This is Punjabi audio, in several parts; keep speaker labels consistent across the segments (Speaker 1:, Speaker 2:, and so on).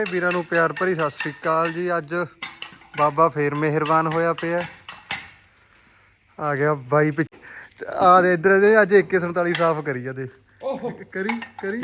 Speaker 1: ਵੀਰਾਂ ਨੂੰ ਪਿਆਰ ਭਰੀ ਸਤਿ ਸ੍ਰੀ ਅਕਾਲ ਜੀ। ਅੱਜ ਬਾਬਾ ਫੇਰ ਮਿਹਰਬਾਨ ਹੋਇਆ ਪਿਆ। ਆ ਗਿਆ ਬਾਈ ਆ ਦੇ ਇੱਧਰ ਦੇ ਅੱਜ 2147 ਸਾਫ਼ ਕਰੀ ਜਾਂਦੇ। ਕਰੀ ਕਰੀ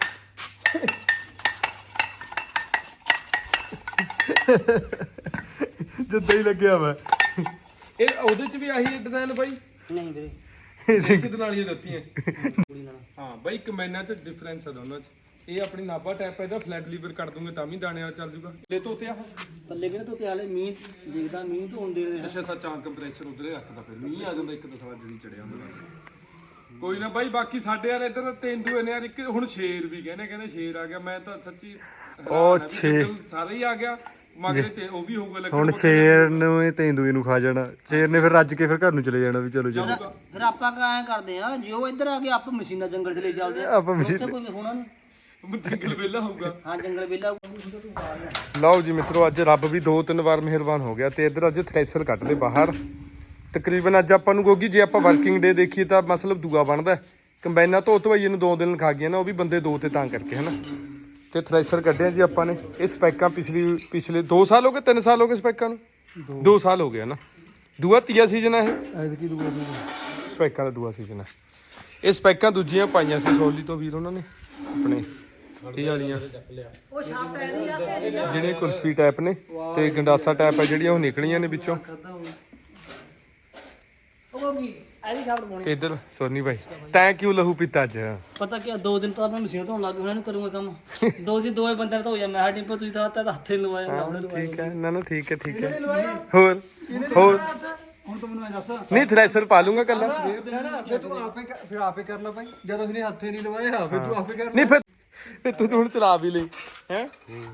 Speaker 1: ਜਿੱਦਾਂ ਹੀ ਲੱਗਿਆ ਵਾ
Speaker 2: ਇਹ ਉਹਦੇ ਚ ਵੀ ਆਹੀ ਡਿਜ਼ਾਈਨ ਬਾਈ।
Speaker 3: ਨਹੀਂ ਵੀਰੇ
Speaker 2: ਇੱਕ ਨਾਲ ਹੀ ਦਿੱਤੀਆਂ। ਹਾਂ ਬਾਈ ਕਮੈਨਾਂ ਚ ਡਿਫਰੈਂਸ ਆ ਦੋਨਾਂ ਚ। ਇਹ ਆਪਣੀ ਨਾਭਾ ਟੈਪ ਇਹਦਾ ਫਲੈਟ ਲੀਵਰ ਕੱਢ ਦੂੰਗੇ ਤਾਂ ਵੀ ਦਾਣੇ ਵਾਲਾ ਚੱਲ ਜੂਗਾ। ਲੈ ਤੋਤੇ ਆ
Speaker 3: ਪੱਲੇ ਵੀ ਨਾ ਤੋਤੇ ਹਾਲੇ ਮੀਂਹ ਦੇਖਦਾ ਮੀਂਹ ਤੋਂ ਆਉਂਦੇ ਰਹੇ।
Speaker 2: ਅੱਛਾ ਸੱਚਾ ਕੰਪਰੈਸਰ ਉਧਰੇ ਰੱਖਦਾ ਫਿਰ ਮੀਂਹ ਆ ਜਾਂਦਾ ਇੱਕ ਦਫਾ ਜਦੀ ਚੜਿਆ ਹੁੰਦਾ। ਕੋਈ ਨਾ ਬਾਈ ਬਾਕੀ ਸਾਡੇ ਯਾਰ ਇੱਧਰ ਤੇਂਦੂਏ ਨੇ ਯਾਰ ਇੱਕ ਹੁਣ ਸ਼ੇਰ ਵੀ ਕਹਿੰਦੇ ਸ਼ੇਰ ਆ ਗਿਆ। ਮੈਂ ਤਾਂ ਸੱਚੀ
Speaker 1: ਉਹ ਸ਼ੇਰ
Speaker 2: ਸਾਰਾ ਹੀ ਆ ਗਿਆ ਮਗਰੇ ਤੇ ਉਹ ਵੀ ਹੋਊਗਾ।
Speaker 1: ਹੁਣ ਸ਼ੇਰ ਨੂੰ ਇਹ ਤੇਂਦੂਏ ਨੂੰ ਖਾ ਜਾਣਾ। ਸ਼ੇਰ ਨੇ ਫਿਰ ਰੱਜ ਕੇ ਫਿਰ ਘਰ ਨੂੰ ਚਲੇ ਜਾਣਾ ਵੀ ਚਲੋ ਚਲੋ।
Speaker 3: ਫਿਰ ਆਪਾਂ ਐਂ ਕਰਦੇ ਆ ਜੇ ਉਹ ਇੱਧਰ ਆ ਕੇ ਆਪਾਂ ਮਸ਼ੀਨਾਂ ਜੰਗਲ ਚ ਲੈ ਚੱਲਦੇ ਆ।
Speaker 1: ਆਪਾਂ
Speaker 3: ਉੱਥੇ ਕੋਈ ਹੋਣਾ ਨਹੀਂ।
Speaker 2: ਜੰਗਲ ਵੇਲਾ ਹੋਊਗਾ।
Speaker 3: ਹਾਂ ਜੰਗਲ ਵੇਲਾ।
Speaker 1: ਲਓ ਜੀ ਮਿੱਤਰੋ ਅੱਜ ਰੱਬ ਵੀ 2-3 ਵਾਰ ਮਿਹਰਬਾਨ ਹੋ ਗਿਆ ਤੇ ਇੱਧਰ ਅੱਜ ਥ੍ਰੈਸ਼ਰ ਕੱਢ ਲਏ ਬਾਹਰ। ਤਕਰੀਬਨ ਅੱਜ ਆਪਾਂ ਨੂੰ ਗੋਗੀ ਜੇ ਆਪਾਂ ਵਰਕਿੰਗ ਡੇ ਦੇਖੀਏ ਤਾਂ ਮਤਲਬ ਦੂਆ ਬਣਦਾ। ਕੰਬਾਈਨਾਂ ਧੋ ਧਵਾਈਏ ਨੂੰ 2 ਦਿਨ ਖਾ ਗਈਆਂ ਨਾ, ਉਹ ਵੀ ਬੰਦੇ 2 ਤੇ ਤਾਂ ਕਰਕੇ ਹਨਾ। ਤੇ ਥ੍ਰੈਸ਼ਰ ਕੱਢਿਆ ਜੀ ਆਪਾਂ ਨੇ। ਇਹ ਸਪੈਕਾਂ ਪਿਛਲੇ 2 ਸਾਲ ਹੋ ਗਏ 3 ਸਾਲ ਹੋ ਗਏ ਸਪੈਕਾਂ ਨੂੰ 2 ਸਾਲ ਹੋ ਗਏ ਨਾ। ਦੂਆ ਤੀਆ ਸੀਜ਼ਨ ਆ ਇਹ ਸਪੈਕਾਂ ਦਾ ਦੂਆ ਸੀਜ਼ਨ ਆ। ਇਹ ਸਪੈਕਾਂ ਦੂਜੀਆਂ ਪਾਈਆਂ ਸੀ ਸੋਲੀ ਤੋਂ ਵੀਰ ਉਹਨਾਂ ਨੇ ਆਪਣੇ ਇਹ ਵਾਲੀਆਂ
Speaker 3: ਉਹ ਸ਼ਾਪ ਇਹਦੀ ਆ
Speaker 1: ਜਿਹੜੇ ਕੁਲਫੀ ਟਾਈਪ ਨੇ ਤੇ ਗੰਡਾਸਾ ਟਾਈਪ ਆ ਜਿਹੜੀਆਂ ਉਹ ਨਿਕਲੀਆਂ ਨੇ ਵਿੱਚੋਂ।
Speaker 3: ਉਹ ਕੀ ਇਹਦੀ ਸ਼ਾਪ ਪਾਉਣੀ।
Speaker 1: ਤੇ ਇੱਧਰ ਸੋਨੀ ਭਾਈ ਤੈਂ ਕਿਉਂ ਲਹੂ ਪੀਤਾ ਅੱਜ?
Speaker 3: ਪਤਾ ਕੀ 2 ਦਿਨ ਤੋਂ ਮੈਂ ਮਸ਼ੀਨ ਧੋਣ ਲੱਗ ਗਿਆ। ਇਹਨੂੰ ਕਰੂੰਗਾ ਕੰਮ 2 ਦਿਨ 2 ਬੰਦੇ ਧੋ ਜਾ। ਮੈਂ ਡਿੰਪੋ ਤੁਸੀਂ ਤਾਂ ਹੱਥੇ ਲਵਾਇਆ।
Speaker 1: ਠੀਕ ਹੈ ਨਾ ਠੀਕ ਹੈ ਠੀਕ ਹੈ। ਹੋਰ ਹੋਰ
Speaker 4: ਹੁਣ ਤੂੰ ਮੈਨੂੰ ਦੱਸ
Speaker 1: ਨਹੀਂ ਥ੍ਰੈਸ਼ਰ ਪਾ ਲੂੰਗਾ ਕੱਲਾ।
Speaker 4: ਫਿਰ ਤੂੰ ਆਪੇ ਕਰ ਲੈ ਭਾਈ। ਜਦੋਂ ਉਸਨੇ ਹੱਥੇ ਨਹੀਂ ਲਵਾਇਆ ਫਿਰ ਤੂੰ ਆਪੇ ਕਰ।
Speaker 1: ਨਹੀਂ ਫਿਰ ਤੂੰ ਹੁਣ ਚਲਾ ਵੀ ਲਈ ਹੈ।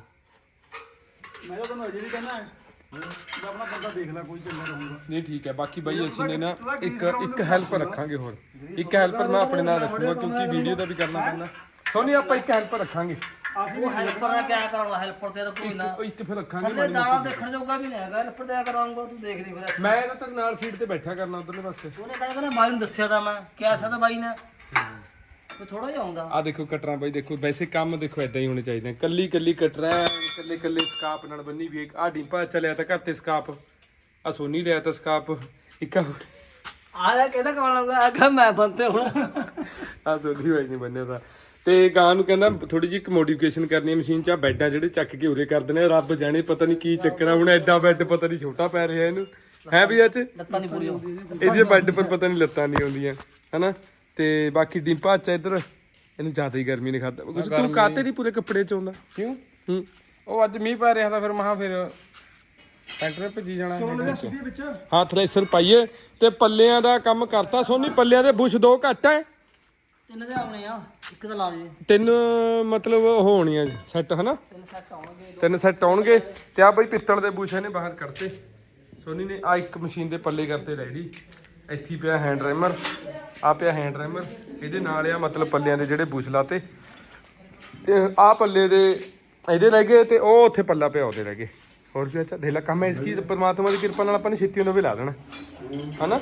Speaker 4: ਮੈਂ ਤਾਂ ਤੁਹਾਨੂੰ ਅਜੇ ਵੀ ਕਹਿਣਾ ਹੈ ਜੇ ਆਪਣਾ ਬੰਦਾ ਦੇਖ ਲੈ ਕੋਈ ਚੱਲਦਾ ਰਹੂਗਾ।
Speaker 1: ਨਹੀਂ ਠੀਕ ਹੈ। ਬਾਕੀ ਬਾਈ ਅਸੀਂ ਨੇ ਨਾ ਇੱਕ ਹੈਲਪਰ ਰੱਖਾਂਗੇ ਹੋਰ। ਇੱਕ ਹੈਲਪਰ ਮੈਂ ਆਪਣੇ ਨਾਲ ਰੱਖੂਗਾ ਕਿਉਂਕਿ ਵੀਡੀਓ ਦਾ ਵੀ ਕਰਨਾ ਪੈਂਦਾ। ਸੋਨੀ ਆਪਾਂ ਇੱਕ ਹੈਲਪਰ ਰੱਖਾਂਗੇ।
Speaker 3: ਉਹ ਹੈਲਪਰ ਨਾਲ ਕਿਆ ਕਰਾਉਣਾ। ਹੈਲਪਰ ਤੇ ਤਾਂ ਕੋਈ ਨਾ
Speaker 1: ਉਹ ਇੱਕ ਫਿਰ ਰੱਖਾਂਗੇ।
Speaker 3: ਥੱਲੇ ਦਾਣਾ ਦੇਖਣ ਜੋਗਾ ਵੀ ਨਹੀਂ ਹੈਗਾ। ਹੈਲਪਰ ਤੇ ਕਰਾਉਂਗਾ ਤੂੰ ਦੇਖ ਲਈ ਫਿਰ।
Speaker 1: ਮੈਂ ਤਾਂ ਤੇਰੇ ਨਾਲ ਸੀਟ ਤੇ ਬੈਠਾ ਕਰਨਾ ਉਧਰਲੇ ਪਾਸੇ।
Speaker 3: ਉਹਨੇ ਕਹਿੰਦਾ ਬਾਈ ਨੂੰ ਦੱਸਿਆ ਤਾਂ ਮੈਂ ਕਿਹਾ ਸੀ ਤਾਂ ਬਾਈ ਨੇ ਥੋੜਾ ਜਿਹਾ ਆਉਂਦਾ।
Speaker 1: ਆ ਦੇਖੋ ਕਟਰਾਂ ਬਾਈ ਦੇਖੋ। ਵੈਸੇ ਕੰਮ ਦੇਖੋ ਇਦਾਂ ਹੀ ਹੋਣੇ ਚਾਹੀਦੇ। ਕੱਲੀ ਕੱਲੀ ਕਟਰਾਂ ਕੱਲੇ ਕੱਲੇ ਸਕਾਪ ਨਾਲ ਬੰਨੀ ਵੀ। ਆ ਡਿੰਪਾ ਚੱਲਿਆ ਤਾਂ ਘਰ ਤੇ ਸਕਾਪ। ਆ ਸੋਨੀ ਲਿਆ ਤਾਂ ਸਕਾਪ ਇੱਕ
Speaker 3: ਆ ਜਾ ਕਹਿੰਦਾ ਕੌਣ ਲਾਉਂਗਾ। ਆਗਾ ਮੈਂ ਬੰਤੇ ਹੁਣ
Speaker 1: ਆ ਸੋਨੀ ਬਾਈ ਨਹੀਂ ਬੰਨਿਆ ਤਾਂ। ਤੇ ਗਾਂ ਨੂੰ ਕਹਿੰਦਾ ਥੋੜੀ ਜਿਹੀ ਮੋਡੀਫਿਕੇਸ਼ਨ ਕਰਨੀ ਹੈ ਮਸ਼ੀਨ 'ਚ। ਆ ਬੈੱਡਾਂ ਜਿਹੜੇ ਚੱਕ ਕੇ ਉਰੇ ਕਰ ਦਿੰਦੇ ਰੱਬ ਜਾਣੇ ਪਤਾ ਨਹੀਂ ਕੀ ਚੱਕਰ ਆ। ਹੁਣ ਐਡਾ ਬੈੱਡ ਪਤਾ ਨਹੀਂ ਛੋਟਾ ਪੈ ਰਿਹਾ ਇਹਨੂੰ ਹੈ ਵੀ ਅੱਜ
Speaker 3: ਲੱਤਾਂ ਨਹੀਂ ਪੂਰੀਆਂ।
Speaker 1: ਇਹਦੀਆਂ ਬੈੱਡ ਪਰ ਪਤਾ ਨਹੀਂ ਲੱਤਾਂ ਨਹੀਂ ਆਉਂਦੀਆਂ ਹਨਾ। ਤੇ ਬਾਕੀ ਡਿੰਪਾ ਅੱਛਾ ਇੱਧਰ ਇਹਨੂੰ ਜ਼ਿਆਦਾ ਹੀ ਗਰਮੀ ਨੇ ਖਾਦਾ। ਤੂੰ ਕਾਤੇ ਨਹੀਂ ਪੂਰੇ ਕੱਪੜੇ 'ਚ ਆਉਂਦਾ ਕਿਉਂ?
Speaker 2: ਉਹ ਅੱਜ ਮੀਂਹ ਪੈ ਰਿਹਾ ਤਾਂ ਫਿਰ ਮਹਾ ਫਿਰ ਟਰੈਕਟਰ ਭੱਜੀ ਜਾਣਾ।
Speaker 1: ਹਾਂ ਥ੍ਰੈਸ਼ਰ ਪਾਈਏ ਤੇ ਪੱਲਿਆਂ ਦਾ ਕੰਮ ਕਰਤਾ ਸੋਨੀ। ਪੱਲਿਆਂ ਦੇ ਬੁਸ਼ 2 ਘੱਟ ਹੈ।
Speaker 3: 3 ਦੇ ਆਉਣੇ ਆ। ਇੱਕ ਤਾਂ ਲਾ ਦੇ
Speaker 1: 3 ਮਤਲਬ ਉਹ ਹੋਣੀਆਂ ਸੈੱਟ ਹਨਾ।
Speaker 3: 3 ਸੈੱਟ ਆਉਣਗੇ।
Speaker 1: 3 ਸੈੱਟ ਆਉਣਗੇ। ਤੇ ਆ ਬਈ ਪਿੱਤਲ ਦੇ ਬੁਸ਼ ਇਹਨੇ ਬਾਹਰ ਕੱਢਤੇ ਸੋਨੀ ਨੇ। ਆ ਇੱਕ ਮਸ਼ੀਨ ਦੇ ਪੱਲੇ ਕਰਤੇ ਰੈਡੀ। ਇੱਥੇ ਪਿਆ ਹੈਂਡ ਰੈਮਰ। ਆ ਪਿਆ ਹੈਂਡ ਰੈਮਰ ਇਹਦੇ ਨਾਲ ਆ ਮਤਲਬ ਪੱਲਿਆਂ ਦੇ ਜਿਹੜੇ ਬੁਸ਼ ਲਾਤੇ। ਤੇ ਆ ਪੱਲੇ ਦੇ ਇਹਦੇ ਰਹਿ ਗਏ ਤੇ ਉਹ ਉੱਥੇ ਪੱਲਾ ਪਿਆ ਉਹਦੇ ਰਹਿ ਗਏ। ਹੋਰ ਵੀ ਅੱਛਾ ਦੇਖ ਲੈ ਕੰਮ ਹੈ ਇਸ ਕੀ ਪਰਮਾਤਮਾ ਦੀ ਕਿਰਪਾ ਨਾਲ ਆਪਾਂ ਨੇ ਛੇਤੀ ਉਹਨਾਂ ਵੀ ਲਾ ਦੇਣਾ ਹਨਾ।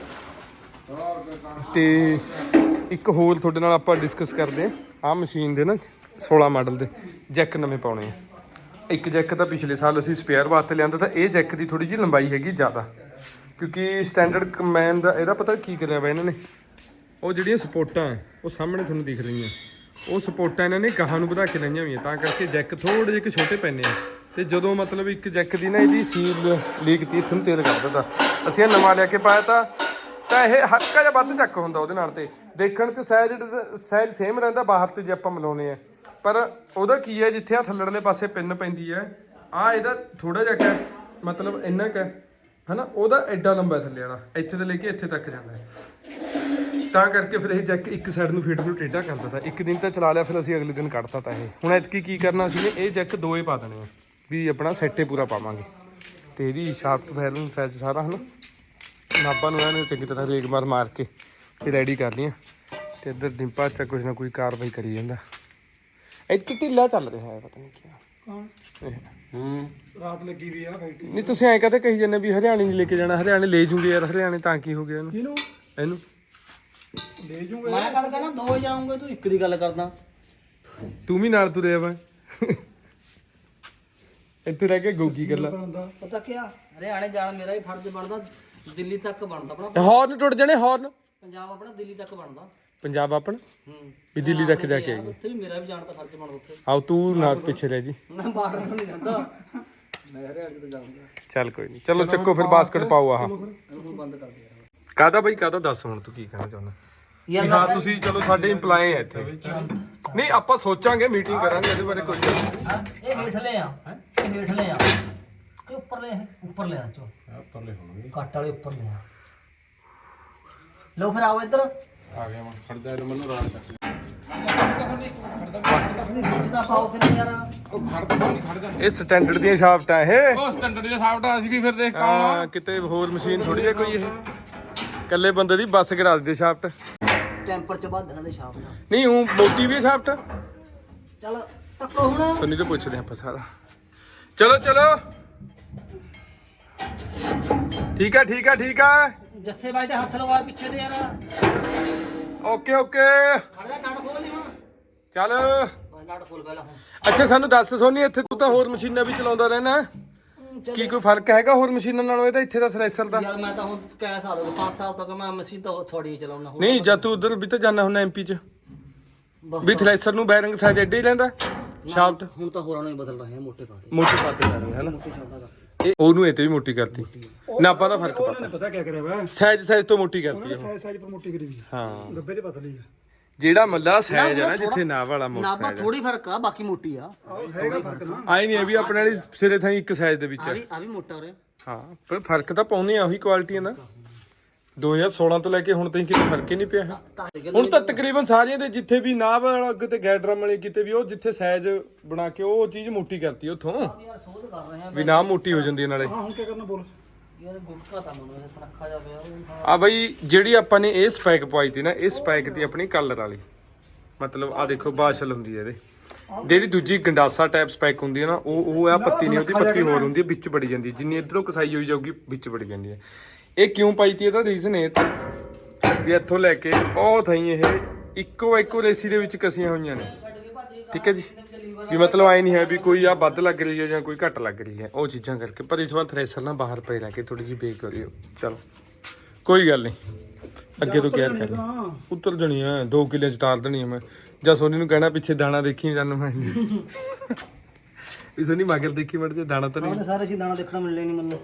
Speaker 1: ਤੇ ਇੱਕ ਹੋਰ ਤੁਹਾਡੇ ਨਾਲ ਆਪਾਂ ਡਿਸਕਸ ਕਰਦੇ ਹਾਂ। ਆਹ ਮਸ਼ੀਨ ਦੇ ਨਾ 16 ਮਾਡਲ ਦੇ ਜੈਕ ਨਵੇਂ ਪਾਉਣੇ ਆ। ਇੱਕ ਜੈਕ ਤਾਂ ਪਿਛਲੇ ਸਾਲ ਅਸੀਂ ਸਪੇਅਰ ਵਾਸਤੇ ਲਿਆਂਦਾ ਤਾਂ ਇਹ ਜੈਕ ਦੀ ਥੋੜੀ ਜਿਹੀ ਲੰਬਾਈ ਹੈਗੀ ਜ਼ਿਆਦਾ ਕਿਉਂਕਿ ਸਟੈਂਡਰਡ ਕੰਬਾਈਨ ਦਾ ਇਹਦਾ ਪਤਾ ਕੀ ਕਰਿਆ ਵਾ ਇਹਨਾਂ ਨੇ। ਉਹ ਜਿਹੜੀਆਂ ਸਪੋਰਟਾਂ ਉਹ ਸਾਹਮਣੇ ਤੁਹਾਨੂੰ ਦਿਖ ਰਹੀਆਂ ਉਹ ਸਪੋਰਟਾਂ ਇਹਨਾਂ ਨੇ ਗਾਹਾਂ ਨੂੰ ਵਧਾ ਕੇ ਲਾਈਆਂ ਹੋਈਆਂ ਤਾਂ ਕਰਕੇ ਜੈਕ ਥੋੜੇ ਜਿਹੇ ਛੋਟੇ ਪੈਂਦੇ ਆ। ਤੇ ਜਦੋਂ ਮਤਲਬ ਇੱਕ ਜੈਕ ਦੀ ਨਾ ਇਹਦੀ ਸੀਲ ਲੀਕ ਤੀ ਇੱਥੇ ਨੂੰ ਤੇਲ ਕੱਢ ਦਿੰਦਾ। ਅਸੀਂ ਇਹ ਨਵਾਂ ਲਿਆ ਕੇ ਪਾਇਆ ਤਾਂ ਇਹ ਹਲਕਾ ਜਿਹਾ ਵੱਧ ਚੱਕ ਹੁੰਦਾ ਉਹਦੇ ਨਾਲ। ਤੇ ਦੇਖਣ 'ਚ ਸਾਈਜ਼ ਸੇਮ ਰਹਿੰਦਾ ਬਾਹਰ ਤੇ ਜੇ ਆਪਾਂ ਮਿਲਾਉਂਦੇ ਆ। ਪਰ ਉਹਦਾ ਕੀ ਹੈ ਜਿੱਥੇ ਆ ਥੱਲੜਲੇ ਪਾਸੇ ਪਿੰਨ ਪੈਂਦੀ ਹੈ ਆ ਇਹਦਾ ਥੋੜਾ ਜਿਹਾ ਕੁ ਮਤਲਬ ਇੰਨਾ ਕੁ ਹਨਾ। ਉਹਦਾ ਐਡਾ ਲੰਬਾ ਥੱਲੇ ਵਾਲਾ ਇੱਥੇ ਤੋਂ ਲੈ ਕੇ ਇੱਥੇ ਤੱਕ ਜਾਂਦਾ ਹੈ। ਤਾਂ ਕਰਕੇ ਫਿਰ ਇਹ ਜੈਕ ਇੱਕ ਸਾਈਡ ਨੂੰ ਫੀਟ ਨੂੰ ਟੇਢਾ ਕਰਦਾ ਤਾ। ਇੱਕ ਦਿਨ ਤਾਂ ਚਲਾ ਲਿਆ ਫਿਰ ਅਸੀਂ ਅਗਲੇ ਦਿਨ ਕੱਢਤਾ ਤਾ ਇਹ। ਹੁਣ ਐਤਕੀ ਕੀ ਕਰਨਾ ਸੀ ਨੇ ਇਹ ਜੈਕ 2 ਹੀ ਪਾ ਦੇਣੇ ਆ ਵੀ ਆਪਣਾ ਸੈੱਟੇ ਪੂਰਾ ਪਾਵਾਂਗੇ। ਤੇ ਇਹਦੀ ਸ਼ਾਫਟ ਫੈਲਨ ਸਾਈਜ਼ ਸਾਰਾ ਹਨਾ ਨਾਭਾ ਨੂੰ ਇਹਨੇ ਚੰਗੀ ਤਰ੍ਹਾਂ ਰੇਗ ਮਾਰ ਕੇ ਤੇ ਰੈਡੀ ਕਰ ਲਈਆਂ। ਤੇ ਇੱਧਰ ਡਿੰਪਾ ਚ ਕੁਛ ਨਾ ਕੋਈ ਕਾਰਵਾਈ ਕਰੀ ਜਾਂਦਾ। ਇੱਥੇ ਢਿੱਲਾ ਚੱਲ ਰਿਹਾ ਹੈ ਪਤਾ ਨਹੀਂ ਕੀ
Speaker 4: ਰਾਤ ਲੱਗੀ ਵੀ ਆ ਫੈਕਟਰੀ।
Speaker 1: ਨਹੀਂ ਤੁਸੀਂ ਐਂ ਕਹਤੇ ਕਹੀ ਜਾਂਦੇ ਵੀ ਹਰਿਆਣੇ ਨਹੀਂ ਲੈ ਕੇ ਜਾਣਾ। ਹਰਿਆਣੇ ਲੈ ਜੂਗੇ ਯਾਰ। ਹਰਿਆਣੇ ਤਾਂ ਕੀ ਹੋ ਗਿਆ ਇਹਨੂੰ ਇਹਨੂੰ
Speaker 4: ਲੈ ਜੂਗੇ।
Speaker 3: ਮੈਂ ਗੱਲ ਕਰਨਾ 2 ਜਾਉਂਗੇ ਤੂੰ ਇੱਕ ਦੀ ਗੱਲ ਕਰਦਾ।
Speaker 1: ਤੂੰ ਵੀ ਨਾਲ ਤੁਰਿਆ ਵਾ ਇੱਥੇ ਰਹਿ ਕੇ ਗੋਗੀ ਗੱਲਾਂ।
Speaker 3: ਪਤਾ ਕੀ ਹਰਿਆਣੇ ਜਾਣ ਮੇਰਾ ਵੀ ਫਰਜ਼ ਬਣਦਾ, ਦਿੱਲੀ ਤੱਕ ਬਣਦਾ ਆਪਣਾ।
Speaker 1: ਹਾਰਨ ਟੁੱਟ ਜਾਣੇ ਹਾਰਨ।
Speaker 3: ਪੰਜਾਬ ਆਪਣਾ ਦਿੱਲੀ ਤੱਕ ਬਣਦਾ।
Speaker 1: ਪੰਜਾਬ ਆਪਣ
Speaker 3: ਹੂੰ
Speaker 1: ਵੀ ਦਿੱਲੀ ਤੱਕ ਜਾ ਕੇ ਆਈਏ।
Speaker 3: ਉੱਥੇ ਵੀ ਮੇਰਾ ਵੀ ਜਾਣ ਦਾ ਫਰਜ਼ ਬਣਦਾ ਉੱਥੇ।
Speaker 1: ਆਓ ਤੂੰ ਨਾ ਪਿੱਛੇ ਰਹਿ ਜੀ।
Speaker 3: ਮੈਂ ਬਾਰਡਰ ਨੂੰ ਨਹੀਂ ਜਾਂਦਾ, ਮੈਂ ਹਰਿਆਣੇ ਤੋਂ ਜਾਊਂਗਾ।
Speaker 1: ਚੱਲ ਕੋਈ ਨਹੀਂ, ਚਲੋ ਚੱਕੋ ਫਿਰ ਬਾਸਕਟ ਪਾਓ ਆਹ।
Speaker 3: ਇਹਨੂੰ ਬੰਦ ਕਰ ਦੇ ਯਾਰ।
Speaker 1: ਕਾਹਦਾ ਬਈ ਕਾਹਦਾ ਦੱਸ ਹੁਣ ਤੂੰ ਕੀ ਕਹਿਣਾ ਚਾਹੁੰਦਾ?
Speaker 3: ਯਾਰ
Speaker 1: ਹਾਂ ਤੁਸੀਂ ਚਲੋ ਸਾਡੇ ਇੰਪਲਾਈ ਆ ਇੱਥੇ। ਨਹੀਂ ਆਪਾਂ ਸੋਚਾਂਗੇ, ਮੀਟਿੰਗ ਕਰਾਂਗੇ ਇਹਦੇ ਬਾਰੇ ਕੋਈ
Speaker 3: ਇਹ ਹੇਠਲੇ ਆ, ਇਹ ਹੇਠਲੇ ਆ, ਇਹ ਉੱਪਰਲੇ ਆ ਚੋ ਉੱਪਰਲੇ ਹੋਣਗੇ, ਕੱਟ ਵਾਲੇ ਉੱਪਰ ਲੈ ਆ। ਲੋ ਫਿਰ ਆਓ ਇੱਧਰ।
Speaker 2: ਆ ਗਿਆ ਮੈਂ ਖੜਦਾ ਇਹ ਮੈਨੂੰ ਰਾੜ ਕਰ
Speaker 3: ਵਿੱਚ ਦਾ ਪਾਓ ਕਿੰਨੇ ਯਾਰ?
Speaker 2: ਉਹ ਖੜਦਾ ਨਹੀਂ ਖੜਦਾ।
Speaker 1: ਇਹ ਸਟੈਂਡਰਡ ਦੀਆਂ ਸ਼ਾਫਟਾਂ ਇਹ।
Speaker 2: ਉਹ ਸਟੈਂਡਰਡ ਦੇ ਹਿਸਾਬ ਨਾਲ ਅਸੀਂ ਵੀ ਫਿਰ ਦੇਖ
Speaker 1: ਹਾਂ ਕਿਤੇ ਹੋਰ ਮਸ਼ੀਨ ਥੋੜੀ ਹੈ ਕੋਈ, ਇਹ ਇਕੱਲੇ ਬੰਦੇ ਦੀ ਬੱਸ ਕਰਾ ਦਿੰਦੇ ਸ਼ਾਫਟ।
Speaker 3: ਟੈਂਪਰ ਚ ਬਾਦਣਾ ਦੇ ਸ਼ਾਪ ਨਾਲ।
Speaker 1: ਨਹੀਂ ਉਹ ਮੋਟੀ ਵੀ ਸ਼ਾਫਟ।
Speaker 3: ਚੱਲ ਤੱਕੋ ਹੁਣ।
Speaker 1: ਸੁਣੀ ਤੋਂ ਪੁੱਛਦੇ ਆਪਾਂ ਸਾਰਾ। ਚਲੋ ਚਲੋ ਠੀਕ ਆ ਠੀਕ ਆ ਠੀਕ ਆ।
Speaker 3: ਜੱਸੇ ਬਾਈ ਦੇ ਹੱਥ ਲਵਾ ਪਿੱਛੇ ਦੇ ਯਾਰ।
Speaker 1: ਓਕੇ ਓਕੇ
Speaker 3: ਖੜ ਜਾ, ਨਟ ਖੋਲ ਨਹੀਂ ਹੁਣ।
Speaker 1: ਚੱਲ।
Speaker 3: ਨਟ ਖੋਲ ਪਹਿਲਾਂ ਹੁਣ।
Speaker 1: ਅੱਛਾ ਸਾਨੂੰ ਦੱਸ ਸੋਨੀ, ਇੱਥੇ ਤੂੰ ਤਾਂ ਹੋਰ ਮਸ਼ੀਨਾਂ ਵੀ ਚਲਾਉਂਦਾ ਰਹਿਣਾ, ਕੀ ਕੋਈ ਫਰਕ ਹੈਗਾ ਹੋਰ ਮਸ਼ੀਨਾਂ ਨਾਲੋਂ ਇਹਦਾ ਇੱਥੇ ਦਾ ਥ੍ਰੈਸ਼ਰ ਦਾ?
Speaker 3: ਯਾਰ ਮੈਂ ਤਾਂ ਹੁਣ ਕਈ ਸਾਲ ਹੋ ਗਏ, 5 ਸਾਲ ਤੱਕ ਮੈਂ ਮਸ਼ੀਨ ਤਾਂ ਥੋੜੀ ਚਲਾਉਣਾ।
Speaker 1: ਨਹੀਂ ਜਦ ਤੂੰ ਉਧਰ ਵੀ ਤਾਂ ਜਾਣਾ ਹੁੰਦਾ ਐਮਪੀ ਚ,
Speaker 3: ਬਸ
Speaker 1: ਵੀ ਥ੍ਰੈਸ਼ਰ ਨੂੰ ਬੈਰਿੰਗ ਸਾਈਜ਼ ਐਡੇ ਹੀ ਲੈਂਦਾ ਸ਼ਾਫਟ।
Speaker 3: ਹੁਣ ਤਾਂ ਹੋਰਾਂ ਨੂੰ ਹੀ ਬਦਲ ਰਹੇ ਆ, ਮੋਟੇ ਪਾਤੇ
Speaker 1: ਮੋਟੀ ਪਾਤੇ ਜਾ ਰਹੇ ਹਨਾ।
Speaker 3: ਮੋਟੇ ਸ਼ਾਫਟਾਂ ਦਾ।
Speaker 1: ਇਹ ਉਹਨੂੰ ਇਹ ਤੇ ਵੀ ਮੋਟੀ ਕਰਤੀ, ਨਾਪਾ ਦਾ ਫਰਕ
Speaker 4: ਉਹਨੇ ਪਤਾ ਕੀ ਕਰਿਆ ਵਾ,
Speaker 1: ਸਾਈਜ਼ ਤੋਂ ਮੋਟੀ ਕਰਤੀ ਉਹ।
Speaker 4: ਸਾਈਜ਼ ਪਰ ਮੋਟੀ ਕਰੀ ਵੀ
Speaker 1: ਹਾਂ
Speaker 4: ਗੱਬੇ ਤੇ ਪਤਲੀ ਆ।
Speaker 1: ਜਿਹੜਾ ਮੱਲਾ ਸਾਈਜ਼ ਹੈ ਨਾ ਜਿੱਥੇ ਨਾਪ ਵਾਲਾ ਮੋਟਾ
Speaker 3: ਨਾਪਾ ਥੋੜੀ ਫਰਕ ਆ, ਬਾਕੀ ਮੋਟੀ ਆ।
Speaker 4: ਹੈਗਾ ਫਰਕ ਨਾ।
Speaker 1: ਆਈ ਨਹੀਂ ਵੀ ਆਪਣੇ ਵਾਲੀ ਸਿਰੇ ਥਾਂ ਇੱਕ ਸਾਈਜ਼ ਦੇ ਵਿੱਚ
Speaker 3: ਆ ਵੀ ਮੋਟਾ ਹੋ ਰਿਹਾ।
Speaker 1: ਹਾਂ ਪਰ ਫਰਕ ਤਾਂ ਪਾਉਨੇ ਆ ਉਹੀ ਕੁਆਲਿਟੀਆਂ ਦਾ। 2016 ਤੋਂ ਲੈ ਕੇ ਹੁਣ ਤਾਈਂ ਕਿਤੇ ਫਰਕ ਹੀ ਨਹੀਂ ਪਿਆ ਹੈ। ਹੁਣ ਤਾਂ ਤਕਰੀਬਨ ਸਾਰਿਆਂ ਦੇ ਜਿੱਥੇ ਵੀ ਨਾਭ ਵਾਲਾ ਕਿਤੇ ਗੈਡਰਮ ਵਾਲੇ ਕਿਤੇ ਵੀ ਉਹ ਜਿੱਥੇ ਸਾਈਜ਼ ਬਣਾ ਕੇ ਉਹ ਚੀਜ਼ ਮੋਟੀ ਕਰਤੀ ਉੱਥੋਂ,
Speaker 3: ਯਾਰ ਸੋਧ ਕਰ ਰਹੇ ਆ
Speaker 1: ਵੀ ਨਾਭ ਮੋਟੀ ਹੋ ਜਾਂਦੀ ਹੈ ਨਾਲੇ।
Speaker 4: ਹਾਂ ਹੁਣ ਕੀ ਕਰਨਾ ਬੋਲ।
Speaker 3: ਯਾਰ ਗੁਟਕਾ ਤਾਂ ਮੈਨੂੰ ਸੁਨੱਖਾ ਜਾ ਪਿਆ ਉਹ।
Speaker 1: ਆ ਬਈ ਜਿਹੜੀ ਆਪਾਂ ਨੇ ਇਹ ਸਪੈਕ ਪਵਾਈ ਤੀ ਨਾ, ਇਹ ਸਪੈਕ ਤੀ ਆਪਣੀ ਕਲਰ ਵਾਲੀ, ਮਤਲਬ ਆ ਦੇਖੋ ਬਾਸ਼ਲ ਹੁੰਦੀ ਹੈ ਇਹਦੇ। ਜਿਹੜੀ ਦੂਜੀ ਗੰਡਾਸਾ ਟਾਈਪ ਸਪੈਕ ਹੁੰਦੀ ਹੈ ਨਾ, ਉਹ ਆ ਪੱਤੀ ਨਹੀਂ ਹੁੰਦੀ, ਪੱਤੀ ਹੋਰ ਹੁੰਦੀ ਹੈ, ਵਿੱਚ ਵੜੀ ਜਾਂਦੀ ਹੈ। ਜਿੰਨੀ ਇਧਰੋਂ ਕਸਾਈ ਹੋਈ ਜਾਊਗੀ ਵਿੱਚ ਵੜੀ ਜਾਂਦੀ ਹੈ। ਇਹ ਕਿਉਂ ਪਾਈ ਤੀ ਇਹਦਾ ਰੀਜ਼ਨ ਇਹ ਤਾਂ ਵੀ ਇੱਥੋਂ ਲੈ ਕੇ ਉਹ ਥਾਈ ਇਹ ਇੱਕੋ ਰੇਸੀ ਦੇ ਵਿੱਚ ਕਸੀਆਂ ਹੋਈਆਂ ਨੇ, ਠੀਕ ਹੈ ਜੀ। ਵੀ ਮਤਲਬ ਆਏ ਨਹੀਂ ਹੈ ਵੀ ਕੋਈ ਆ ਵੱਧ ਲੱਗ ਰਹੀ ਹੈ ਜਾਂ ਕੋਈ ਘੱਟ ਲੱਗ ਰਹੀ ਹੈ, ਉਹ ਚੀਜ਼ਾਂ ਕਰਕੇ। ਪਰ ਇਸ ਵਾਰ ਥ੍ਰੈਸ਼ਰ ਨਾ ਬਾਹਰ ਪਏ ਰਹਿ ਕੇ ਥੋੜੀ ਜਿਹੀ ਬੇਕ ਕਰਿਓ। ਚਲੋ ਕੋਈ ਗੱਲ ਨਹੀਂ, ਅੱਗੇ ਤੋਂ ਕੇਅਰ ਕਰਨੀ। ਉੱਤਰ ਜਣੀ ਹੈ 2 ਕਿੱਲੇ ਚ ਤਾਰ ਦੇਣੀ ਹੈ ਮੈਂ। ਜਾਂ ਸੋਨੀ ਨੂੰ ਕਹਿਣਾ ਪਿੱਛੇ ਦਾਣਾ ਦੇਖੀ ਜਾਨੂੰ ਮੈਂ ਵੀ ਸੋਨੀ ਮਗਰ ਦੇਖੀ ਮੜ ਜੇ ਦਾਣਾ ਤਾਂ ਨਹੀਂ।
Speaker 3: ਸਾਰੇ ਸੀ ਦਾਣਾ ਦੇਖਣਾ ਮਿਲਣੇ ਨਹੀਂ ਮੈਨੂੰ।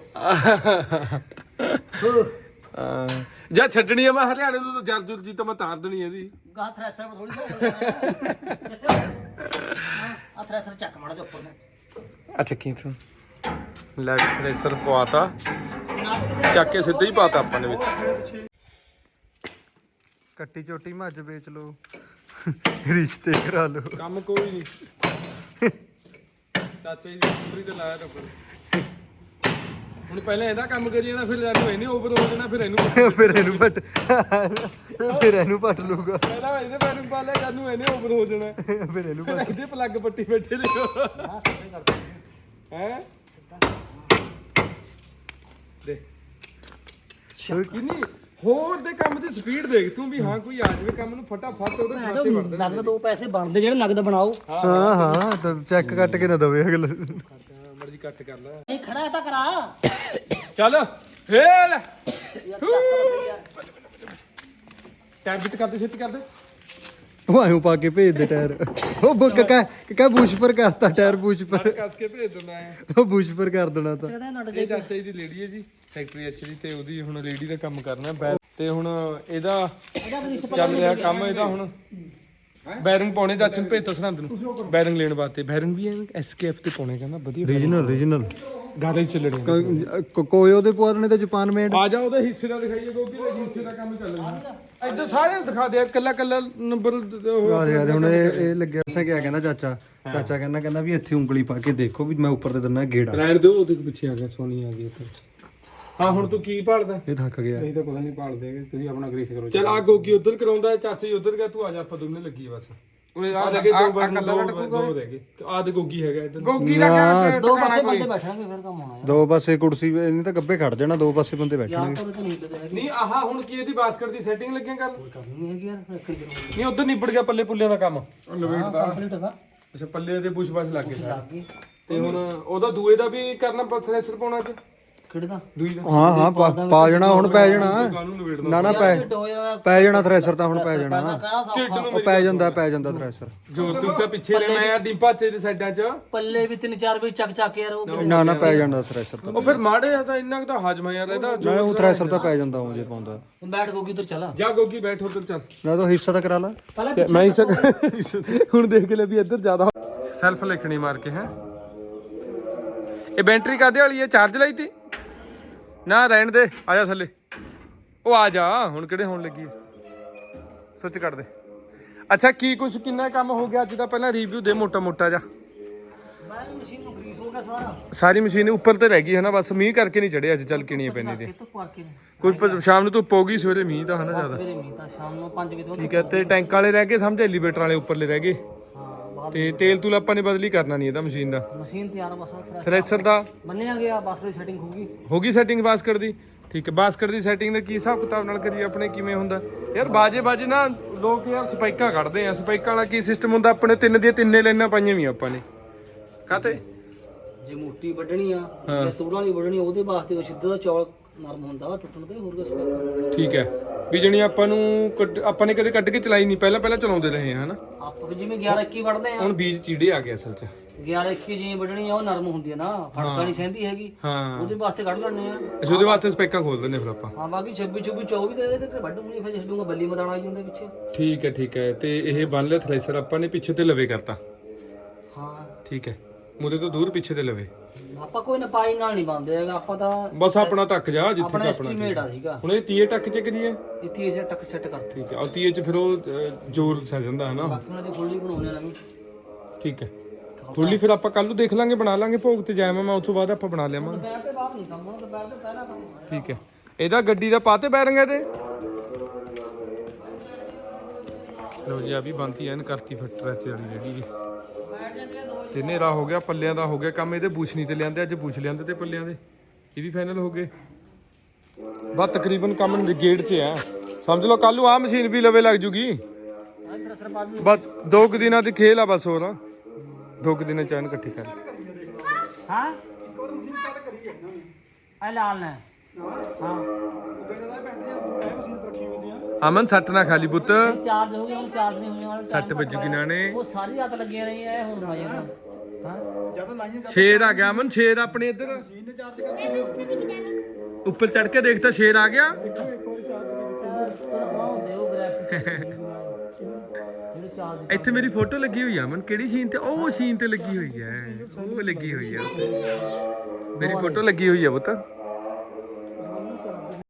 Speaker 1: ਜਾਂ ਛੱਡਣੀ ਆ ਮੈਂ ਹਰਿਆਣੇ ਤੋਂ ਜਰਜੁਰ ਜੀ ਤਾਂ ਮੈਂ ਤਾਰ ਦੇਣੀ ਇਹਦੀ।
Speaker 3: ਗਾਹ ਥ੍ਰੈਸ਼ਰ ਥੋੜੀ ਆ ਥ੍ਰੈਸ਼ਰ ਚੱਕ ਮਾੜਾ ਜਿਹਾ ਉੱਪਰ ਨੂੰ।
Speaker 1: ਅੱਛਾ ਕੀ ਤੂੰ ਲੈ ਥ੍ਰੈਸ਼ਰ ਪਵਾਤਾ, ਚੱਕ ਕੇ ਸਿੱਧਾ ਹੀ ਪਾਤਾ ਆਪਾਂ ਨੇ ਵਿੱਚ।
Speaker 5: ਕੱਟੀ ਚੋਟੀ ਮੱਝ ਵੇਚ ਲੋ, ਰਿਸ਼ਤੇ ਕਰਾ ਲੋ।
Speaker 1: ਕੰਮ ਕੋਈ ਨਹੀਂ, ਚਾਚਾ ਜੀ ਦੀ ਸਕੂਟਰੀ ਤੇ ਲਾਇਆ ਟੱਪਰ। ਹੁਣ ਪਹਿਲਾਂ ਇਹਦਾ ਕੰਮ ਕਰੀ ਜਾਣਾ, ਫਿਰ ਇਹਨੂੰ ਇਹਨੇ ਓਵਰ ਹੋ ਜਾਣਾ, ਫਿਰ ਇਹਨੂੰ
Speaker 5: ਫਿਰ ਇਹਨੂੰ ਪੱਟ ਲੂਗਾ,
Speaker 1: ਪਹਿਲਾਂ ਇਹਦੇ ਪੈਰ ਨੂੰ ਪਾ ਲਿਆ, ਜਦ ਨੂੰ ਇਹਨੇ ਓਵਰ ਹੋ ਜਾਣਾ,
Speaker 5: ਫਿਰ ਇਹਨੂੰ
Speaker 1: ਫਿਰ ਇਹਦੇ ਪਲੱਗ ਪੱਟੀ ਬੈਠੇ ਲਿਓ ਹੈ ਦੇ ਕਿੰਨੀ ਹੋਰ ਦੇ ਕੰਮ ਦੀ ਸਪੀਡ ਦੇਖ ਤੂੰ ਵੀ। ਹਾਂ ਕੋਈ ਆ ਜਾਵੇ ਕੰਮ ਨੂੰ ਫਟਾਫਟ ਉਹਦੇ ਖਾਤੇ ਵੜ ਦੇ।
Speaker 3: ਨਗਦ 2 ਪੈਸੇ ਬਣਦੇ ਜਿਹੜੇ ਨਗਦ ਬਣਾਓ।
Speaker 5: ਹਾਂ ਤਾਂ ਚੈੱਕ ਕੱਟ ਕੇ ਨਾ ਦਵੇ ਅਗਲਾ।
Speaker 1: ਮਰਜ਼ੀ ਕੱਟ ਕਰ ਲੈ।
Speaker 3: ਇਹ ਖੜਾ ਤਾਂ ਕਰਾ
Speaker 1: ਚੱਲ ਹੇਲ
Speaker 3: ਯਾਰ ਚੱਕ ਸਹੀ ਆ।
Speaker 1: ਟੈਬ ਬਿਟ ਕਰਦੇ ਛੇਤੀ ਕਰਦੇ।
Speaker 5: ਉਹ ਆਇਓ ਪਾ ਕੇ ਭੇਜ ਦੇ ਟਾਇਰ। ਉਹ ਕਾ ਬੂਸ਼ ਪਰ ਕਰਤਾ ਟਾਇਰ, ਬੂਸ਼ ਪਰ
Speaker 1: ਕੱਸ ਕੇ ਭੇਜ ਦਿੰਦਾ ਹੈ।
Speaker 5: ਉਹ ਬੂਸ਼ ਪਰ ਕਰ ਦੇਣਾ ਤਾਂ।
Speaker 3: ਇਹਦਾ ਨਟ
Speaker 1: ਇਹ ਚਾਚਾ ਜੀ ਦੀ ਲੇਡੀ ਹੈ ਜੀ, ਸੈਕਟਰੀ ਐਚ ਦੀ, ਤੇ ਉਹਦੀ ਹੁਣ ਲੇਡੀ ਦਾ ਕੰਮ ਕਰਨਾ ਤੇ ਹੁਣ ਇਹਦਾ ਚੱਲ ਰਿਹਾ ਕੰਮ। ਇਹਦਾ ਹੁਣ ਬੈਰਿੰਗ ਪਾਉਣੇ ਚਾਚੇ ਨੂੰ ਭੇਜਤਾ ਸਰਹੰਦ ਨੂੰ ਬੈਰਿੰਗ ਲੈਣ ਵਾਸਤੇ। ਬੈਰਿੰਗ ਵੀ ਐਸਕੇਐਫ ਤੇ ਪਾਉਣੇ, ਕਹਿੰਦਾ ਵਧੀਆ
Speaker 5: ਰੀਜਨਲ
Speaker 1: ਗਾੜੇ ਚੱਲਣੇ।
Speaker 5: ਕੋਈ ਉਹਦੇ ਪੁਆਣੇ ਤਾਂ ਜਾਪਾਨ ਮੇਡ।
Speaker 1: ਆ ਜਾ ਉਹਦੇ ਹਿੱਸੇ ਦਾ ਦਿਖਾਈਏ, ਗੋਗੀ ਦੇ ਹਿੱਸੇ ਦਾ ਕੰਮ ਚੱਲ ਰਿਹਾ ਇੱਧਰ। ਸਾਰਿਆਂ ਨੂੰ ਦਿਖਾ ਦੇ ਕੱਲਾ ਨੰਬਰ।
Speaker 5: ਯਾਰ ਹੁਣ ਇਹ ਲੱਗਿਆ ਸਾ ਕਿਆ ਕਹਿੰਦਾ ਚਾਚਾ ਕਹਿੰਦਾ ਵੀ ਇੱਥੇ ਉਂਗਲੀ ਪਾ ਕੇ ਦੇਖੋ ਵੀ ਮੈਂ ਉੱਪਰ ਤੇ ਦਿੰਦਾ ਗੇੜਾ।
Speaker 1: ਰਹਿਣ ਦਿਓ, ਉਹਦੇ ਪਿੱਛੇ ਆ ਗਿਆ, ਸੋਨੀ ਆ ਗਈ ਇੱਥੇ। ਹਾਂ ਹੁਣ ਤੂੰ ਕੀ ਭਾਲਦਾ?
Speaker 5: ਇਹ ਥੱਕ ਗਿਆ।
Speaker 2: ਅਸੀਂ ਤਾਂ ਕੁਝ ਨਹੀਂ ਭਾਲਦੇ, ਤੁਸੀਂ ਆਪਣਾ ਗ੍ਰੀਸ ਕਰੋ।
Speaker 1: ਚੱਲ ਆ ਗੋਗੀ ਉਧਰ ਕਰਾਉਂਦਾ, ਚਾਚਾ ਜੀ ਉਧਰ ਗਿਆ, ਤੂੰ ਆ ਜਾ, ਆਪਾਂ ਦੋਨੇ ਲੱਗੀ ਬਸ। ਆ ਲੱਗੇ ਦੋ ਰਹਿ ਗਏ। ਆ ਤੇ ਗੋਗੀ ਹੈਗਾ ਇੱਧਰ।
Speaker 2: ਗੋਗੀ ਦਾ ਕਿਆ
Speaker 3: 2 ਪਾਸੇ ਬੰਦੇ ਬੈਠਣਗੇ ਫਿਰ ਕੰਮ ਹੋਣਾ ਯਾਰ।
Speaker 5: 2 ਪਾਸੇ ਕੁਰਸੀ ਇਹਨੇ ਤਾਂ ਗੱਬੇ ਖੜ ਜਾਣਾ, 2 ਪਾਸੇ ਬੰਦੇ ਬੈਠਣਗੇ।
Speaker 3: ਯਾਰ ਤਾਂ ਨਹੀਂ ਲੱਗਦੇ ਹੈਗੇ।
Speaker 1: ਨਹੀਂ ਆਹ ਹੁਣ ਕੀ ਇਹਦੀ ਬਾਸਕਟ ਦੀ ਸੈਟਿੰਗ ਲੱਗਿਆ ਕਰ।
Speaker 3: ਕਰਨੀ ਹੈਗੀ ਯਾਰ, ਰੱਖਣੀ ਜ਼ਰੂਰੀ
Speaker 1: ਨਹੀਂ ਉਧਰ ਨਿਬੜ ਗਿਆ ਪੱਲੇ ਪੁੱਲਿਆਂ ਦਾ ਕੰਮ।
Speaker 3: ਕੰਪਲੀਟ ਹੈਗਾ।
Speaker 1: ਅੱਛਾ ਪੱਲੇ ਦੇ ਬੁਸ਼ ਬਸ ਲੱਗ ਗਏ।
Speaker 3: ਲੱਗ ਗਈ
Speaker 2: ਤੇ ਹੁਣ ਉਹਦਾ ਦੂਏ ਦਾ ਵੀ ਕਰਨਾ ਥ੍ਰੈਸ਼ਰ ਪਾਉਣਾ ਚ
Speaker 3: ਕਿਹੜੇ ਦਾ
Speaker 2: ਦੂਈ ਦਾ
Speaker 5: ਹਾਂ ਪਾ ਜਾਣਾ ਹੁਣ ਪੈ ਜਾਣਾ
Speaker 2: ਕਾਨੂੰ ਨਵੇੜਨਾ
Speaker 5: ਨਾ ਪੈ ਜਾਣਾ ਥ੍ਰੈਸ਼ਰ ਤਾਂ ਹੁਣ ਪੈ ਜਾਣਾ
Speaker 3: ਕਹਿਣਾ ਸੌਖਾ
Speaker 5: ਉਹ ਪੈ ਜਾਂਦਾ ਥ੍ਰੈਸ਼ਰ
Speaker 2: ਜੋ ਤੂੰ ਤਾਂ ਪਿੱਛੇ ਨੇ ਮੈਂ ਡਿੰਪਾਚੇ ਦੇ ਸਾਈਡਾਂ ਚ
Speaker 3: ਪੱਲੇ ਵੀ 3-4 ਵੀ ਚੱਕ ਯਾਰ ਉਹ
Speaker 5: ਨਾ ਪੈ ਜਾਂਦਾ ਥ੍ਰੈਸ਼ਰ ਤਾਂ
Speaker 2: ਉਹ ਫਿਰ ਮਾੜੇ ਆ ਤਾਂ ਇੰਨਾ ਕੁ ਤਾਂ ਹਾਜਮਾ ਯਾਰ ਇਹਦਾ
Speaker 5: ਨਾ ਉਹ ਥ੍ਰੈਸ਼ਰ ਤਾਂ ਪੈ ਜਾਂਦਾ ਉਹ ਜੇ ਪਾਉਂਦਾ
Speaker 3: ਬੈਠ ਗੋਗੀ ਉਧਰ ਚਲਾ
Speaker 2: ਜਾ ਗੋਗੀ ਬੈਠ ਉਧਰ ਚੱਲ
Speaker 5: ਨਾ ਤਾਂ ਹਿੱਸਾ ਤਾਂ ਕਰਾ ਲਾ
Speaker 1: ਮੈਂ ਹੁਣ ਦੇਖ ਲੈ ਵੀ ਇੱਧਰ ਜ਼ਿਆਦਾ ਸੈਲਫ ਲਿਖਣੀ ਮਾਰ ਕੇ ਹੈ। ਇਹ ਬੈਟਰੀ ਕਾਦੇ ਵਾਲੀ ਹੈ? ਚਾਰਜ ਲਈ ਤੀ ਨਾ ਰਹਿਣ ਦੇ, ਆ ਜਾ ਥੱਲੇ। ਉਹ ਆ ਜਾ, ਹੁਣ ਕਿਹੜੇ ਹੋਣ ਲੱਗੀ ਹੈ। ਸੁੱਚ ਕੱਢ ਦੇ। ਅੱਛਾ ਕੀ ਕੁਛ ਕਿੰਨਾ ਕੰਮ ਹੋ ਗਿਆ ਅੱਜ ਦਾ? ਪਹਿਲਾਂ ਰਿਵਿਊ ਦੇ ਮੋਟਾ ਮੋਟਾ ਜਾ।
Speaker 3: ਮਸ਼ੀਨ ਨੂੰ ਗਰੀਸ ਹੋ ਗਿਆ ਸਾਰਾ,
Speaker 1: ਸਾਰੀ ਮਸ਼ੀਨ ਉੱਪਰ ਤੇ ਰਹਿ ਗਈ ਹੈ ਨਾ, ਬਸ ਮੀਂਹ ਕਰਕੇ ਨਹੀਂ ਚੜਿਆ ਅੱਜ, ਚੱਲ ਕਿਣੀਆਂ ਪੈਂਦੀ ਤੇ
Speaker 3: ਧੁੱਪ ਕਰਕੇ
Speaker 1: ਕੋਈ ਸ਼ਾਮ ਨੂੰ ਧੁੱਪ ਹੋਗੀ, ਸਵੇਰੇ ਮੀਂਹ ਤਾਂ ਹਨਾ ਜ਼ਿਆਦਾ।
Speaker 3: ਸਵੇਰੇ ਮੀਂਹ ਤਾਂ ਸ਼ਾਮ ਨੂੰ 5 ਵਜੇ ਤੋਂ
Speaker 1: ਠੀਕ ਹੈ, ਤੇ ਟੈਂਕ ਵਾਲੇ ਰਹਿ ਗਏ ਸਮਝ, ਐਲੀਵੇਟਰ ਵਾਲੇ ਉੱਪਰਲੇ ਰਹਿ ਗਏ।
Speaker 3: ਹਾਂ
Speaker 1: ਤੇ ਤੇਲ ਤੂਲ ਆਪਾਂ ਨੇ ਬਦਲੀ ਕਰਨਾ ਨਹੀਂ ਇਹਦਾ ਮਸ਼ੀਨ ਦਾ।
Speaker 3: ਮਸ਼ੀਨ ਤਿਆਰ ਬਸ
Speaker 1: ਥ੍ਰੈਸ਼ਰ ਦਾ
Speaker 3: ਮੰਨਿਆ ਗਿਆ, ਬਸ ਕੋਈ ਸੈਟਿੰਗ
Speaker 1: ਹੋ ਗਈ ਸੈਟਿੰਗ ਬਾਸਕਟ ਦੀ। ਠੀਕ ਹੈ, ਬਾਸਕਟ ਦੀ ਸੈਟਿੰਗ ਦਾ ਕੀ ਹਿਸਾਬ ਕਿਤਾਬ ਨਾਲ ਕਰੀਏ ਆਪਣੇ, ਕਿਵੇਂ ਹੁੰਦਾ ਯਾਰ? ਬਾਜੇ ਨਾ ਲੋਕ ਯਾਰ ਸਪਾਈਕਾਂ ਕੱਢਦੇ ਆ, ਸਪਾਈਕਾਂ ਵਾਲਾ ਕੀ ਸਿਸਟਮ ਹੁੰਦਾ? ਆਪਣੇ ਤਿੰਨ ਦੀਆਂ ਤਿੰਨੇ ਲਾਈਨਾਂ ਪਾਈਆਂ ਵੀ ਆਪਾਂ ਨੇ ਕਾਤੇ।
Speaker 3: ਜੇ ਮੋਟੀ ਵੱਢਣੀ ਆ ਜਾਂ ਤੂੜਾਂ ਨਹੀਂ ਵੱਢਣੀ, ਉਹਦੇ ਵਾਸਤੇ ਉਹ ਸਿੱਧਾ ਦਾ ਚੌਲ ਨਰਮ ਹੁੰਦਾ, ਟੁੱਟਣ ਤੇ ਹੋਰ ਕੁਝ ਸਪੈਕਰ।
Speaker 1: ਠੀਕ ਹੈ, ਵੀ ਜਣੀ ਆਪਾਂ ਨੂੰ ਆਪਾਂ ਨੇ ਕਦੇ ਕੱਢ ਕੇ ਚਲਾਈ ਨਹੀਂ, ਪਹਿਲਾਂ ਚਲਾਉਂਦੇ ਰਹੇ ਆ ਹਨਾ।
Speaker 3: ਆਪਾਂ ਜਿਵੇਂ 11-21 ਵੱਢਦੇ ਆ,
Speaker 1: ਹੁਣ ਬੀਜ ਚੀੜੇ ਆ ਗਏ ਅਸਲ 'ਚ।
Speaker 3: 11-21 ਜਿਵੇਂ ਵੱਢਣੀ ਆ ਉਹ ਨਰਮ ਹੁੰਦੀ ਆ ਨਾ, ਫੜਕਾ ਨਹੀਂ ਸਹਿੰਦੀ ਹੈਗੀ,
Speaker 1: ਹਾਂ,
Speaker 3: ਉਹਦੇ ਵਾਸਤੇ ਕੱਢ ਲੈਣੇ ਆ।
Speaker 1: ਅਸੀਂ ਉਹਦੇ ਵਾਸਤੇ ਸਪੈਕਾਂ ਖੋਲ ਦਿੰਦੇ ਫਿਰ ਆਪਾਂ।
Speaker 3: ਹਾਂ, ਬਾਕੀ 26-24 ਦੇ ਇਹਦੇ ਤੇ ਵੱਢੂਗੀ, ਫਿਰ ਛੱਡੂਗਾ ਬੱਲੀ ਮਦਾਣਾ ਆ ਜਾਂਦਾ ਪਿੱਛੇ।
Speaker 1: ਠੀਕ ਹੈ, ਤੇ ਇਹ ਬੰਨ ਲਿਆ ਥ੍ਰੈਸ਼ਰ ਆਪਾਂ ਨੇ, ਪਿੱਛੇ ਤੇ ਲਵੇ ਕਰਤਾ।
Speaker 3: ਹਾਂ
Speaker 1: ਠੀਕ ਹੈ, ਮੂਰੇ ਤੋਂ ਦੂਰ ਪਿੱਛੇ ਤੇ ਲਵੇ।
Speaker 3: ਆਪਾਂ ਕੋਈ ਨਾ ਪਾਈ ਨਾਲ ਨਹੀਂ ਬੰਦੇ ਹੈਗਾ, ਆਪਾਂ ਤਾਂ
Speaker 1: ਬਸ ਆਪਣਾ ਤੱਕ ਜਾ ਜਿੱਥੇ
Speaker 3: ਆਪਣਾ
Speaker 1: ਤੱਕ
Speaker 3: ਐਸਟੀਮੇਟ ਆ ਸੀਗਾ।
Speaker 1: ਹੁਣ ਇਹ 30 ਟੱਕ ਚ ਕਰੀਏ।
Speaker 3: ਇੱਥੇ ਇਸੇ ਟੱਕ ਸੈੱਟ ਕਰਤੇ,
Speaker 1: ਠੀਕ ਹੈ, ਔਰ 30 ਚ ਫਿਰ ਉਹ ਜ਼ੋਰ ਸਹਿ ਜਾਂਦਾ ਹੈ ਨਾ।
Speaker 3: ਬਾਕੀ ਉਹਨਾਂ ਦੀ ਖੋਲੀ ਬਣਾਉਣੇ ਨਵੀਂ।
Speaker 1: ਠੀਕ ਹੈ, ਥੋੜੀ ਫਿਰ ਆਪਾਂ ਕੱਲ ਨੂੰ ਦੇਖ ਲਾਂਗੇ, ਬਣਾ ਲਾਂਗੇ ਭੋਗ ਤੇ ਜਾਵਾਂ ਮੈਂ, ਉਸ ਤੋਂ ਬਾਅਦ ਆਪਾਂ ਬਣਾ ਲਿਆਵਾਂਗੇ।
Speaker 3: ਬੈਠ ਤੇ ਬਾਹਰ ਨਹੀਂ ਕੰਮ ਹੋਣਾ, ਬੈਠ ਤੇ ਪਹਿਲਾਂ ਕੰਮ ਹੋਣਾ।
Speaker 1: ਠੀਕ ਹੈ, ਇਹਦਾ ਗੱਡੀ ਦਾ ਪਾਤੇ ਬੈਰਿੰਗ ਇਹਦੇ। ਲੋ ਜੀ ਆ ਵੀ ਬੰਤੀ ਐਨ ਕਰਤੀ ਫਿੱਟ ਰੈਚ ਵਾਲੀ ਜਿਹੜੀ ਤੇ ਹਨੇਰਾ ਹੋ ਗਿਆ, ਪੱਲਿਆਂ ਦਾ ਹੋ ਗਿਆ ਕੰਮ। ਇਹਦੇ ਬੂਛ ਨਹੀਂ ਤੇ ਲਿਆਂਦੇ, ਅੱਜ ਬੂਛ ਲਿਆਂਦੇ ਤੇ ਪੱਲਿਆਂ ਦੇ, ਇਹ ਵੀ ਫਾਈਨਲ ਹੋ ਗਏ। ਬਸ ਤਕਰੀਬਨ ਕੰਮ ਗੇਟ 'ਚ ਆ, ਸਮਝ ਲਓ ਕੱਲ ਨੂੰ ਆਹ ਮਸ਼ੀਨ ਵੀ ਲਵੇ ਲੱਗ ਜੂਗੀ। ਬਸ 2 ਕੁ ਦਿਨਾਂ ਦੀ ਖੇਲ ਆ ਬਸ, ਹੋਰ 2 ਕੁ ਦਿਨਾਂ ਚ ਐਨ ਇਕੱਠੀ ਕਰ।
Speaker 3: ਹਾਂ ਆ ਲਾਲ ਨੇ। ਹਾਂ
Speaker 1: ਅਮਨ ਸੱਟ ਨਾ ਖਾਲੀ ਪੁੱਤ,
Speaker 3: ਚਾਰਜ ਹੋ ਗਿਆ, ਹੁਣ ਚਾਰਜ ਨਹੀਂ ਹੋਣੇ ਵਾਲਾ।
Speaker 1: ਸੱਟ ਵੱਜੂਗੀ ਨਾ ਨੇ।
Speaker 3: ਉਹ ਸਾਰੀ ਰਾਤ ਲੱਗੇ ਰਹੀ ਐ, ਹੁਣ ਆ ਜਾਂਦਾ। ਹਾਂ
Speaker 4: ਜਦੋਂ ਲਾਈਆਂ
Speaker 1: ਸ਼ੇਰ ਆ ਗਿਆ ਅਮਨ, ਸ਼ੇਰ ਆਪਣੇ ਇੱਧਰ
Speaker 4: ਮਸ਼ੀਨ ਨੇ ਚਾਰਜ ਕਰਤੀ,
Speaker 1: ਉੱਪਰ ਚੜ ਕੇ ਦੇਖ ਤਾਂ ਸ਼ੇਰ ਆ ਗਿਆ।
Speaker 4: ਦੇਖੋ ਇੱਕ ਵਾਰੀ ਚਾਰਜ ਕਰਕੇ
Speaker 3: ਹੁੰਦੇ ਉਹ ਗ੍ਰੈਫਿਕ ਜਿਹੜੇ ਚਾਰਜ
Speaker 1: ਇੱਥੇ ਮੇਰੀ ਫੋਟੋ ਲੱਗੀ ਹੋਈ ਆ ਅਮਨ, ਕਿਹੜੀ ਸੀਨ ਤੇ? ਉਹ ਸੀਨ ਤੇ ਲੱਗੀ ਹੋਈ ਹੈ, ਉਹ ਲੱਗੀ ਹੋਈ ਆ, ਮੇਰੀ ਫੋਟੋ ਲੱਗੀ ਹੋਈ ਆ ਪੁੱਤ।